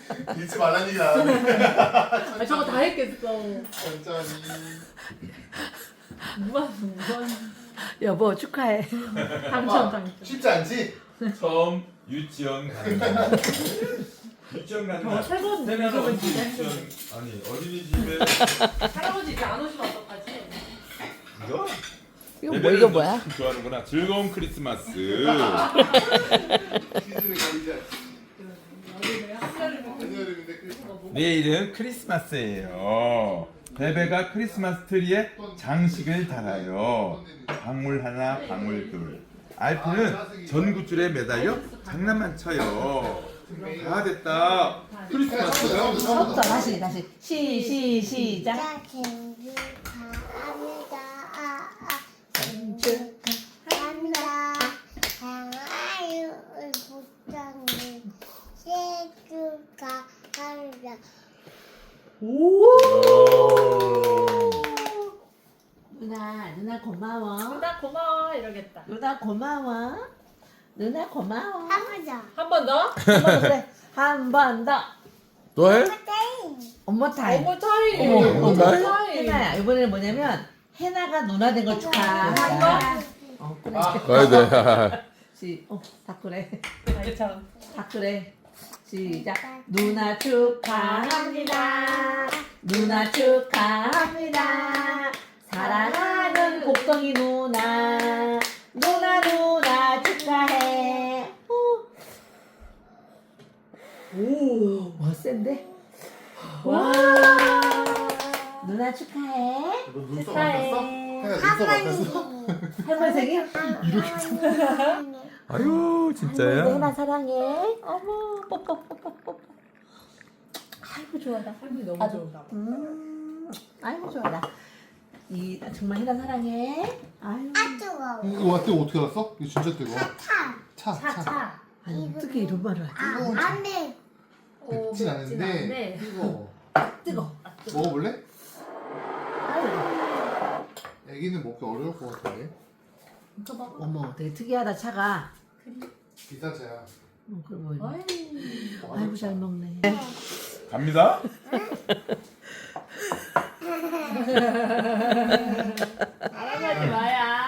잊지 말라는 얘기 나왔네. 아, 저거 다 했겠어. 천천히. 무한. 여보 축하해. 당첨. 쉽지 않지? 처음 유치원 가는 날. 유치원 가는 날. 세 번 세나는 연속은 언제 진짜 유치원 아니 어린이집에 할아버지 이제 안 오시면 어떡하지? 이거? 이거 뭐야? 참 좋아하는구나. 즐거운 크리스마스. 퀴즈를 거리자. 한여름인데 크리스마스. 내일은 크리스마스예요. 베베가 크리스마스 트리에 장식을 달아요. 방울 하나, 방울 둘. 알프는 전구줄에 매달려 장난만 쳐요. 다 됐다. 크리스마스. 처음부터 다시 시작. 생일 축하합니다. 생일 축하합니다. 사랑하는 부장님 생일 축하합니다. 누나 고마워. 누나 고마워 이러겠다. 누나 고마워. 누나 고마워. 한번더 한 번 더? 한 번 더 그래. 한 번 더. 또 해? 엄마 타임. 어머 타임. 어머 타임? 해나야 이번에는 뭐냐면 해나가 누나 된 걸 축하한다. 그래. 가야 돼. 다 그래. 아이 참. 다 그래. 시작. 누나 축하합니다. 누나 축하합니다. 사랑하는 복덩이 누나. 누나 축하해. 오, 와 센데? 와. 누나 축하해. 너 눈썹 축하해. 안 떴어? 해나 눈썹 안 떴어? 할머니 생일? 아유 진짜야? 해나 사랑해. 어머, 뽀뽀뽀뽀뽀. 아이고 좋아라. 할머니 너무 좋은가 봐. 아이고 좋아라. 정말 해나 사랑해. 아유. 아 뜨거워. 이거 뜨거 어떻게 알았어? 이거 진짜 뜨거. 차. 차. 아니, 어떻게 이런 말을 하지? 안돼. 맵진 않은데 뜨거. 뜨거. 먹어볼래? 아유. 애기는 먹기 어려울 것 같은데. 어머, 되게 특이하다 차가. 비싼 차야. 그럼 뭐. 아이. 아이고 잘 먹네. 갑니다. 할아버지 마야.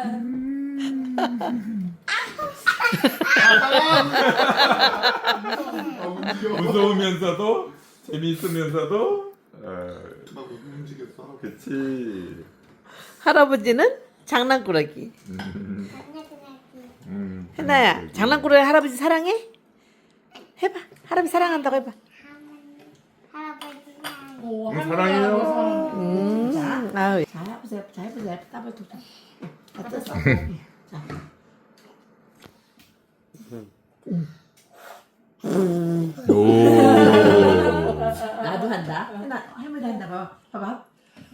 무서우면서도 재미있으면서도 나 못 움직였어. 그치. 할아버지는 장난꾸러기. 해나야, 장난꾸러기 할아버지 사랑해? 해봐. 할아버지 사랑한다고 해봐. 할아버지 오, 사랑해요. 아유. 자, 해보세요. 자, 해보세요. 따발 톡. 다 떴어. 자. 오. 나도 한다. 해나, 할머니 한다. 봐봐.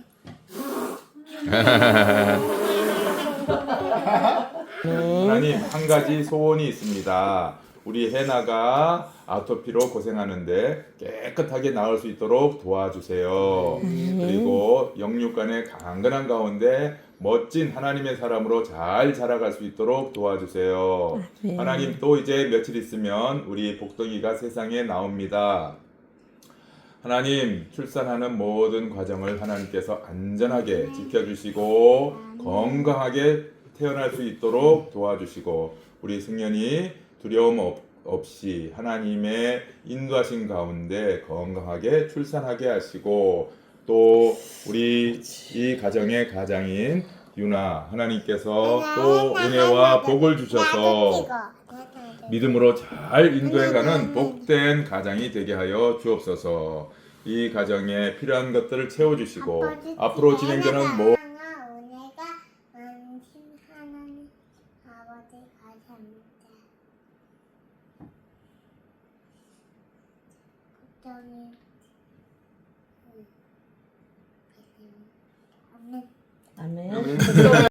하나님 한 가지 소원이 있습니다. 우리 해나가 아토피로 고생하는데 깨끗하게 나을 수 있도록 도와주세요. 그리고 영육간의 강건한 가운데 멋진 하나님의 사람으로 잘 자라갈 수 있도록 도와주세요. 하나님 또 이제 며칠 있으면 우리 복덩이가 세상에 나옵니다. 하나님 출산하는 모든 과정을 하나님께서 안전하게 지켜주시고 건강하게 태어날 수 있도록 도와주시고 우리 승연이 두려움 없이 하나님의 인도하신 가운데 건강하게 출산하게 하시고 또 우리 이 가정의 가장인 유나 하나님께서 또 은혜와 복을 주셔서 믿음으로 잘 인도해가는 복된 가장이 되게 하여 주옵소서. 이 가정에 필요한 것들을 채워주시고 앞으로 진행되는 모 은혜가 많으신 하나님 아버지 감사합니다. 걱정이 아멘. 아멘.